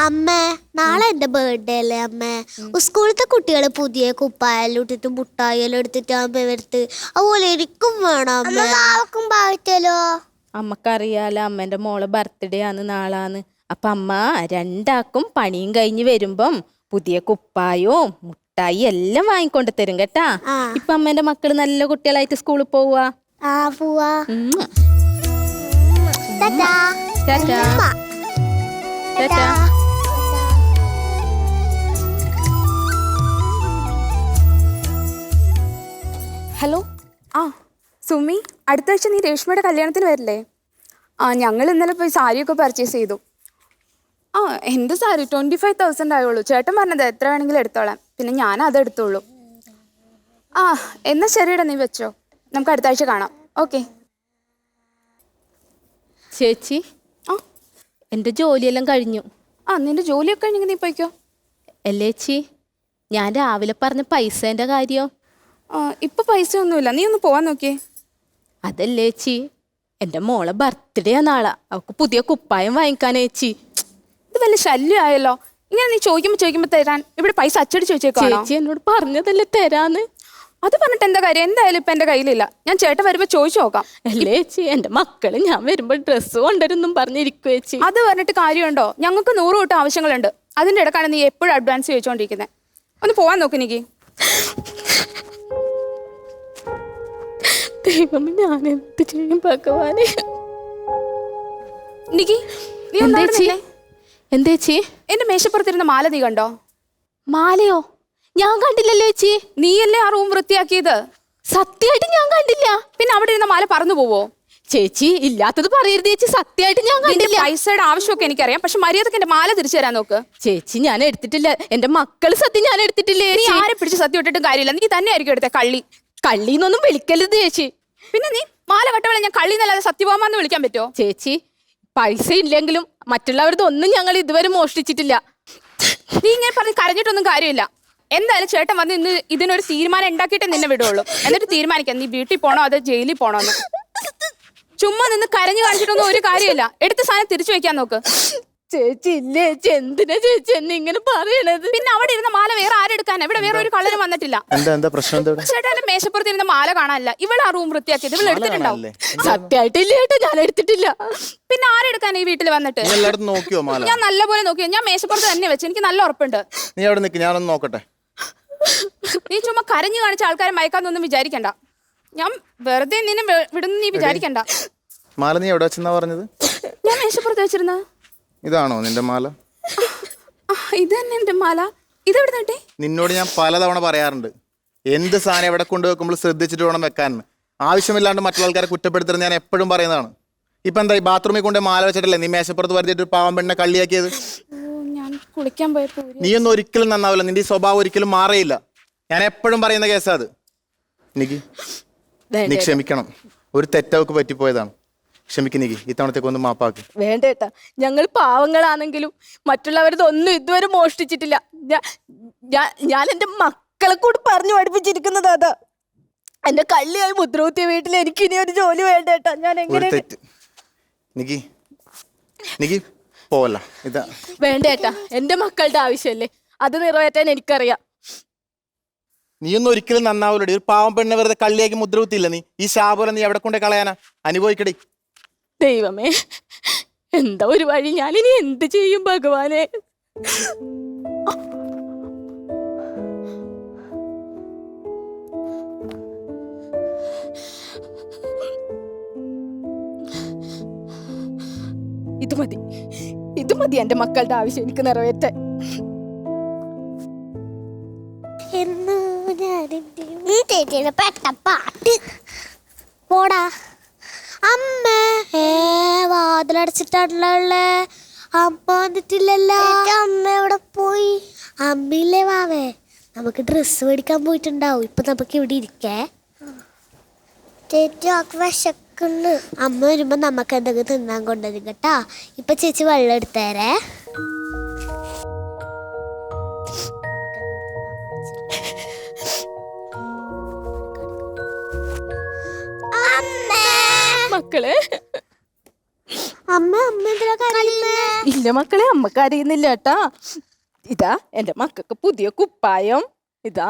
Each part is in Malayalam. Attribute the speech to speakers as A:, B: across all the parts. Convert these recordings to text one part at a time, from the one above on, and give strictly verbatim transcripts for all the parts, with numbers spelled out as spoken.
A: അമ്മേ നാളെ എന്റെ ബർത്ത്ഡേ അല്ലേ അമ്മേ. സ്കൂളത്തെ കുട്ടികള് പുതിയ കുപ്പായെല്ലാം ഇട്ടിട്ട് മുട്ടായെല്ലാം എടുത്തിട്ട് അമ്മ എടുത്ത് അതുപോലെ എനിക്കും വേണം അമ്മക്കും പാവറ്റല്ലോ.
B: അമ്മക്കറിയാലോ അമ്മേന്റെ മോളെ ബർത്ത്ഡേ ആണ് നാളാന്ന്. അപ്പൊ അമ്മ രണ്ടാക്കും പണിയും കഴിഞ്ഞ് വരുമ്പം പുതിയ കുപ്പായവും മുട്ടായി എല്ലാം വാങ്ങിക്കൊണ്ട് തരും കേട്ടാ. ഇപ്പൊ അമ്മേന്റെ മക്കള് നല്ല കുട്ടികളായിട്ട് സ്കൂളിൽ പോവാ.
A: ആ പോവാ.
C: ഹലോ. ആ സുമി, അടുത്ത ആഴ്ച നീ രേഷ്മയുടെ കല്യാണത്തിന് വരില്ലേ? ആ ഞങ്ങൾ ഇന്നലെ പോയി സാരിയൊക്കെ പർച്ചേസ് ചെയ്തു. ആ എൻ്റെ സാരി ട്വൻറ്റി ഫൈവ് തൗസൻഡ് ആയുള്ളൂ. ചേട്ടൻ പറഞ്ഞത് എത്ര വേണമെങ്കിലും എടുത്തോളാം. പിന്നെ ഞാൻ അതെടുത്തോളൂ. ആ എന്നാൽ ശരിയടാ, നീ വെച്ചോ. നമുക്ക് അടുത്ത ആഴ്ച കാണാം. ഓക്കെ
B: ചേച്ചി. ആ എൻ്റെ ജോലിയെല്ലാം കഴിഞ്ഞു.
C: ആ നിന്റെ ജോലിയൊക്കെ കഴിഞ്ഞെങ്കിൽ നീ പോയിക്കോ.
B: അല്ലേ ചേച്ചി, ഞാൻ രാവിലെ പറഞ്ഞ പൈസേൻ്റെ കാര്യം.
C: ആ ഇപ്പം പൈസ ഒന്നുമില്ല, നീ ഒന്ന് പോവാൻ നോക്കിയേ.
B: അതല്ലേ ചേച്ചി, എൻ്റെ മോളെ ബർത്ത്ഡേ ആ നാളെ. അവൾക്ക് പുതിയ കുപ്പായം വാങ്ങിക്കാനേ ചേച്ചി.
C: ഇത് വല്ല ശല്യമായല്ലോ. ഇങ്ങനെ നീ ചോദിക്കുമ്പോൾ ചോദിക്കുമ്പോൾ തരാൻ ഇവിടെ പൈസ അച്ചടിച്ച് വെച്ചേക്കോ.
B: ചേച്ചി എന്നോട് പറഞ്ഞതല്ലേ തരാന്ന്.
C: അത് പറഞ്ഞിട്ട് എന്താ കാര്യം? എന്തായാലും ഇപ്പം എൻ്റെ കയ്യിലില്ല. ഞാൻ ചേട്ടൻ വരുമ്പോൾ ചോദിച്ചു നോക്കാം.
B: അല്ലേ ചേച്ചി, എൻ്റെ മക്കള് ഞാൻ വരുമ്പോൾ ഡ്രസ്സ് കൊണ്ടുവരുന്നും പറഞ്ഞിരിക്കും ചേച്ചി.
C: അത് പറഞ്ഞിട്ട് കാര്യമുണ്ടോ? ഞങ്ങൾക്ക് നൂറ് കൂട്ടം ആവശ്യങ്ങളുണ്ട്. അതിൻ്റെ ഇടക്കാണ് നീ എപ്പോഴും അഡ്വാൻസ് ചോദിച്ചുകൊണ്ടിരിക്കുന്നത്. ഒന്ന് പോവാൻ നോക്ക് എനിക്ക്.
B: ദൈവം, ഞാൻ എന്ത് ചെയ്യും ഭഗവാനെ.
C: നിക്കി, നീ
B: എന്തേച്ചി?
C: എന്റെ മേശപ്പുറത്തിരുന്ന മാല നീ കണ്ടോ?
B: മാലയോ? ഞാൻ കണ്ടില്ലല്ലോ ചേച്ചി.
C: നീയല്ലേ ആ റൂം വൃത്തിയാക്കിയത്?
B: സത്യമായിട്ട് ഞാൻ കണ്ടില്ല.
C: പിന്നെ അവിടെ ഇരുന്ന മാല പറന്നു പോവോ?
B: ചേച്ചി ഇല്ലാത്തത് പറയരുത് ചേച്ചി. സത്യമായിട്ട് ഞാൻ കണ്ടില്ല.
C: പൈസയുടെ ആവശ്യമൊക്കെ എനിക്കറിയാം, പക്ഷെ മര്യാദക്ക് എന്റെ മാല തിരിച്ചു തരാൻ നോക്ക്.
B: ചേച്ചി ഞാൻ എടുത്തിട്ടില്ല. എന്റെ മക്കള് സത്യം ഞാൻ എടുത്തിട്ടില്ലേ.
C: നീ ആരെ പിടിച്ച് സത്യം ഇട്ടിട്ടും കാര്യമില്ല. നീ തന്നെ ആയിരിക്കും എടുത്ത കള്ളി.
B: കള്ളിന്നൊന്നും വിളിക്കരുത് ചേച്ചി.
C: പിന്നെ നീ മാല കട്ടവളെ ഞാൻ കള്ളി എന്നല്ലാതെ സത്യഭാമാന്ന് വിളിക്കാൻ പറ്റുമോ?
B: ചേച്ചി പൈസ ഇല്ലെങ്കിലും മറ്റുള്ളവരുടെ ഒന്നും ഞങ്ങൾ ഇതുവരെ മോഷ്ടിച്ചിട്ടില്ല.
C: നീ ഇങ്ങനെ പറഞ്ഞ് കരഞ്ഞിട്ടൊന്നും കാര്യമില്ല. എന്തായാലും ചേട്ടൻ വന്ന് ഇന്ന് ഇതിനൊരു തീരുമാനം ഉണ്ടാക്കിയിട്ട് നിന്നെ വിടുള്ളൂ. എന്നിട്ട് തീരുമാനിക്കാം നീ വീട്ടിൽ പോണോ അതോ ജയിലിൽ പോണോന്ന്. ചുമ്മാ നിന്ന് കരഞ്ഞു കാണിച്ചിട്ടൊന്നും ഒരു കാര്യമില്ല. എടുത്ത സാധനം തിരിച്ചു വെക്കാൻ നോക്ക്.
B: ചേച്ചി ഇല്ലേ ചേച്ചി, എന്തിനാ ചേച്ചി എന്നെ ഇങ്ങനെ പറയണത്?
C: പിന്നെ അവിടെ ഇരുന്ന മാല വേറെ ആരെടുക്കാനാ? ഇവിടെ വേറെ ഒരു കള്ളനും വന്നിട്ടില്ല. ചേട്ടന്റെ മേശപ്പുറത്ത് ഇരുന്ന മാല കാണാനില്ല. ഇവിടെ ആ റൂം വൃത്തിയാക്കിയത് ഇവിടെ എടുത്തിട്ടുണ്ടാവും.
B: സത്യമായിട്ടില്ല ചേട്ടാ, ഞാൻ എടുത്തിട്ടില്ല.
C: പിന്നെ ആരെടുക്കാൻ ഈ വീട്ടിൽ വന്നിട്ട്? ഞാൻ നല്ലപോലെ നോക്കിയോ. ഞാൻ മേശപ്പുറത്ത് തന്നെ വെച്ച്. എനിക്ക് നല്ല ഉറപ്പുണ്ട്.
D: നീ അവിടെ നിൽക്ക്, ഞാനൊന്ന് നോക്കട്ടെ.
C: നീ ചുമ്മാ കരഞ്ഞു കാണിച്ച ആൾക്കാരെ മയക്കാന്നൊന്നും വിചാരിക്കണ്ട. ഞാൻ വെറുതെ നിന്നെ വിടുന്ന നീ വിചാരിക്കണ്ട.
D: മാല നീ എവിടെ വെച്ചെന്നാ പറഞ്ഞത്?
C: ഞാൻ മേശപ്പുറത്ത് വെച്ചിരുന്ന.
D: ഇതാണോ നിന്റെ മാല?
C: ഇത് തന്നെ എന്റെ മാല. ഇതെവിടെ നിട്ടി?
D: നിന്നോട് ഞാൻ പലതവണ പറയാറുണ്ട്, എന്ത് സാധനം എവിടെ കൊണ്ടുവെക്കുമ്പോൾ ശ്രദ്ധിച്ചിട്ട് വേണം വെക്കാൻ. ആവശ്യമില്ലാണ്ട് മറ്റുള്ള ആൾക്കാരെ കുറ്റപ്പെടുത്തരുത് ഞാൻ എപ്പോഴും പറയുന്നതാണ്. ഇപ്പൊ എന്താ ഈ ബാത്റൂമിൽ കൊണ്ട് മാല വെച്ചിട്ടല്ലേ നീ മേശപ്പുറത്ത് വരുത്തിട്ട് പാവം പെണ്ണെ കള്ളിയാക്കിയത്?
C: ഞാൻ കുളിക്കാൻ പോയപ്പോ
D: നീയൊന്നും ഒരിക്കലും നന്നാവില്ല. നിന്റെ ഈ സ്വഭാവം ഒരിക്കലും മാറിയില്ല. ഞാൻ എപ്പോഴും പറയുന്ന കേസാ അത്. എനിക്ക് നീ ക്ഷമിക്കണം. ഒരു തെറ്റവക്ക് പറ്റിപ്പോയതാണ്. ക്ഷമിക്കുന്നെങ്കിൽ ഇത്തവണത്തേക്ക് ഒന്ന് മാപ്പാക്ക്.
B: വേണ്ടേട്ടാ, ഞങ്ങൾ പാവങ്ങളാണെങ്കിലും മറ്റുള്ളവരത് ഒന്നും ഇതുവരെ മോഷ്ടിച്ചിട്ടില്ല. ഞാൻ എന്റെ മക്കളെ കൂടി പറഞ്ഞു പഠിപ്പിച്ചിരിക്കുന്നത് അതാ. എന്റെ കള്ളിയായി മുദ്രകുത്തിയ വീട്ടിൽ എനിക്ക് ഇനി ഒരു ജോലി വേണ്ടേട്ടാ. ഞാൻ എങ്ങനെ
D: പോവല്ല. ഇതാ
B: വേണ്ടേട്ടാ, എന്റെ മക്കളുടെ ആവശ്യമല്ലേ, അത് നിറവേറ്റാൻ എനിക്കറിയാം.
D: നീയൊന്നും ഒരിക്കലും നന്നാവില്ലടി. ഒരു പാവം പെണ്ണെ വെറുതെ കള്ളിയാക്കി മുദ്രകുത്തിയില്ല നീ. ഈ ശാപം നീ എവിടെ കൊണ്ടേ കളയാനാ? അനുഭവിക്കടി.
B: ദൈവമേ, എന്താ ഒരു വഴി. ഞാനിനി എന്ത് ചെയ്യും ഭഗവാനെ? ഇത് മതി, ഇത് മതി എന്റെ മക്കളുടെ ആവശ്യം എനിക്ക് നിറവേറ്റാൻ.
A: പാട്ട് പോടാ. അമ്മ ഏ വാതിലടച്ചിട്ടാണല്ലേ. അമ്മ വന്നിട്ടില്ലല്ലോ. അമ്മ എവിടെ പോയി? അമ്മയില്ലേ വാവേ? നമുക്ക് ഡ്രസ്സ് മേടിക്കാൻ പോയിട്ടുണ്ടാവും. ഇപ്പൊ നമുക്ക് ഇവിടെ ഇരിക്കേ. ചേച്ചി വിശക്കുന്നു. അമ്മ വരുമ്പോ നമുക്ക് എന്തെങ്കിലും തിന്നാൻ കൊണ്ടുവരും കേട്ടാ. ഇപ്പൊ ചേച്ചി വെള്ളം എടുത്തേരേ.
B: മക്കളെ,
A: അമ്മ അമ്മ എന്തിനാ കരയുന്നേ?
B: ഇല്ല ഇല്ല മക്കളെ അമ്മക്ക് അറിയുന്നില്ല കേട്ടാ. ഇതാ എന്റെ മക്കൾക്ക് പുതിയ കുപ്പായം. ഇതാ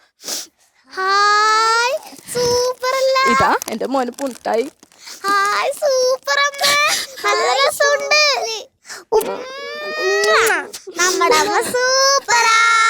A: ഹായ് സൂപ്പർ അല്ല.
B: ഇതാ എന്റെ മോന് പുട്ടായി.
A: ഹായ് സൂപ്പർ അമ്മ, നല്ല രസമുണ്ട്. നമ്മുടെ അമ്മ സൂപ്പറാ.